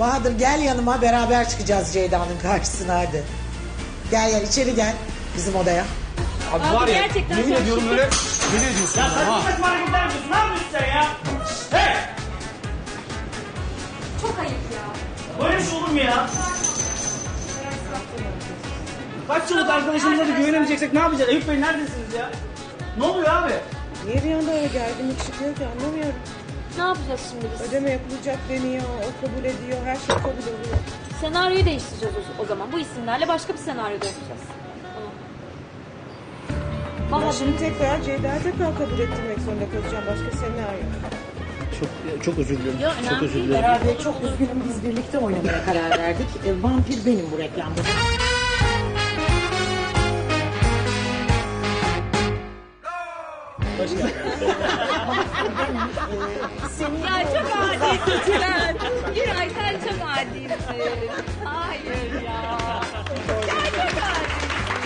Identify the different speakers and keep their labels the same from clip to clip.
Speaker 1: Bahadır gel yanıma, beraber çıkacağız Ceyda'nın karşısına hadi. Gel içeri gel bizim odaya.
Speaker 2: Abi var ya,
Speaker 3: gerçekten
Speaker 2: yemin
Speaker 3: çok
Speaker 2: ediyorum böyle deli ediyorsun.
Speaker 4: Ya
Speaker 2: ha.
Speaker 4: saçma saçma hareketler yapıyorsun. Ne yapıyorsun sen ya? Hey!
Speaker 3: Çok ayıp ya.
Speaker 4: Böyle bir şey olur mu ya? Kaç yıllık arkadaşımıza da güvenemeyeceksek ne yapacağız? Eyüp Bey neredesiniz ya? Ne oluyor abi?
Speaker 5: Niye bir anda öyle gerginlik çıkıyor ki anlamıyorum.
Speaker 3: Ne yapacağız şimdi biz?
Speaker 5: Ödeme yapılacak deniyor, o kabul ediyor, her şey kabul oluyor.
Speaker 3: Senaryoyu değiştireceğiz o zaman. Bu isimlerle başka bir senaryoda yapacağız.
Speaker 5: Ben
Speaker 3: Valla
Speaker 5: şimdi tekrar Ceyda'yı tekrar kabul ettirmek zorunda kalacağım. Başka senaryo.
Speaker 4: Çok özür dilerim.
Speaker 3: Ya, önemli
Speaker 4: Çok özür
Speaker 3: değil.
Speaker 4: dilerim.
Speaker 1: Beraber çok üzgünüm, biz birlikte oynamaya karar verdik. Vampir benim bu reklamda.
Speaker 3: ya çok adisin sen. Giray sen çok adisin. Hayır ya. Ya çok adisin.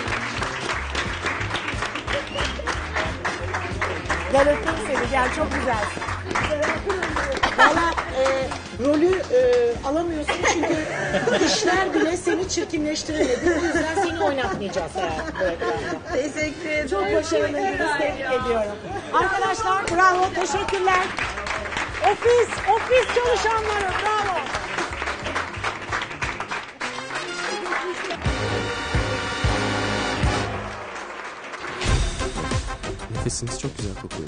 Speaker 1: Gel öpeyim seni, gel çok güzel. Valla rolü alamıyorsun çünkü işler bile seni çirkinleştiremedi. O yüzden seni oynatmayacağız herhalde bu reklamda.
Speaker 5: Teşekkür ederim.
Speaker 1: Çok başarılıydınız, tebrik ediyorum. Arkadaşlar bravo, teşekkürler. Ofis çalışanları bravo.
Speaker 2: Nefesiniz çok güzel kokuyor.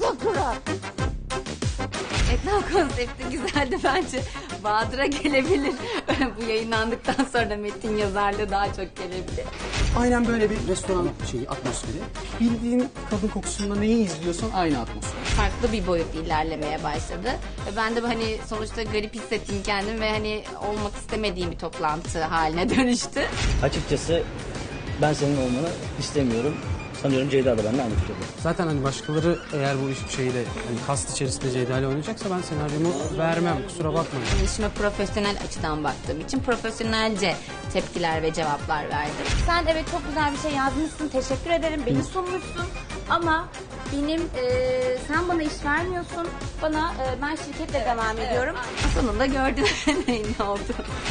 Speaker 6: Reklam konsepti güzeldi bence. Bahadır'a gelebilir. Bu yayınlandıktan sonra metin yazarlığı daha çok gelebilir.
Speaker 2: Aynen böyle bir restoran şeyi, atmosferi. Bildiğin kadın kokusunda neyi izliyorsan aynı atmosfer.
Speaker 6: Farklı bir boyut ilerlemeye başladı. Ve ben de hani sonuçta garip hissettim kendim ve hani olmak istemediğim bir toplantı haline dönüştü.
Speaker 4: Açıkçası ben senin olmanı istemiyorum. Sanıyorum Ceyda da benimle aynı fikirde.
Speaker 2: Zaten hani başkaları eğer bu iş şeyle hani kast içerisinde Ceyda ile oynayacaksa ben senaryomu vermem, kusura bakmayın.
Speaker 6: İşime profesyonel açıdan baktığım için profesyonelce tepkiler ve cevaplar verdim. Sen evet çok güzel bir şey yazmışsın, teşekkür ederim, beni sunmuşsun. Ama benim sen bana iş vermiyorsun, ben şirketle devam ediyorum. Sonunda gördün ne oldu.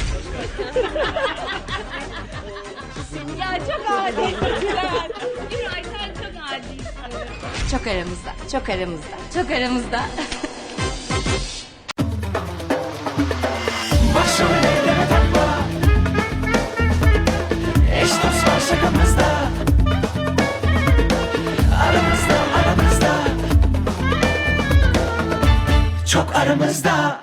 Speaker 3: Ya çok adisin sen. Giray sen çok adisin.
Speaker 6: Çok aramızda, çok aramızda, çok aramızda.
Speaker 7: Başrollere takma. Eş dost var şakamızda. Aramızda. Çok aramızda.